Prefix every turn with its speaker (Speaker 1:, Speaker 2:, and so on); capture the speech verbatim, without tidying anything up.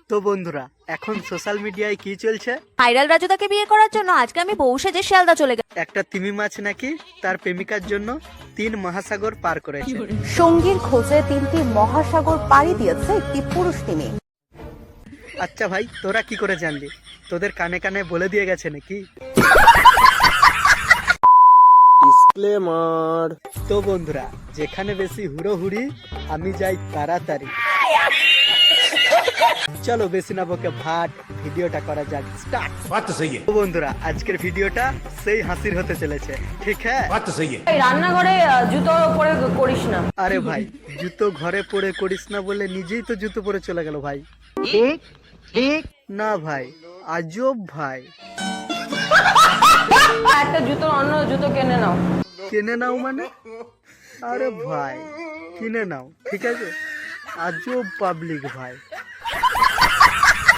Speaker 1: তো বন্ধুরা, এখন সোশ্যাল মিডিয়ায় কি চলছে?
Speaker 2: ভাইরাল রাজুদাকে বিয়ে করার জন্য আজকে আমি বউ সেজে শিয়ালদা চলে গেলাম।
Speaker 1: একটা তিমি মাছ নাকি তার প্রেমিকার জন্য তিন মহাসাগর পার করেছে।
Speaker 3: সঙ্গীর খোঁজে তিনটি মহাসাগর পাড়ি দিয়েছে একটি পুরুষ তিমি।
Speaker 1: আচ্ছা ভাই, তোরা কি করে জানলি? তোদের কানে কানে বলে দিয়ে গেছে নাকি?
Speaker 4: ডিসক্লেমার।
Speaker 1: তো বন্ধুরা, যেখানে বেশি হুড়োহুড়ি আমি যাই তাড়াতাড়ি। চলো বেশি না বকে ভাট, ভিডিওটা করা যাক। স্টার্ট।
Speaker 4: बात तो सही है,
Speaker 1: তো বন্ধুরা, আজকের ভিডিওটা সেই হাসির হতে চলেছে, ঠিক হ্যাঁ?
Speaker 4: बात तो सही है।
Speaker 5: এই রান্নাঘরে আহ, জুতো পরে করিস না।
Speaker 1: আরে ভাই, জুতো ঘরে পরে করিস না বলে নিজেই তো জুতো পরে চলে গেল ভাই। না ভাই, আজব ভাই।
Speaker 5: একটা জুতো অন্য জুতো কিনে নাও।
Speaker 1: কিনে নাও মানে? আরে ভাই, কিনে নাও, ঠিক আছে? আজব পাবলিক ভাই।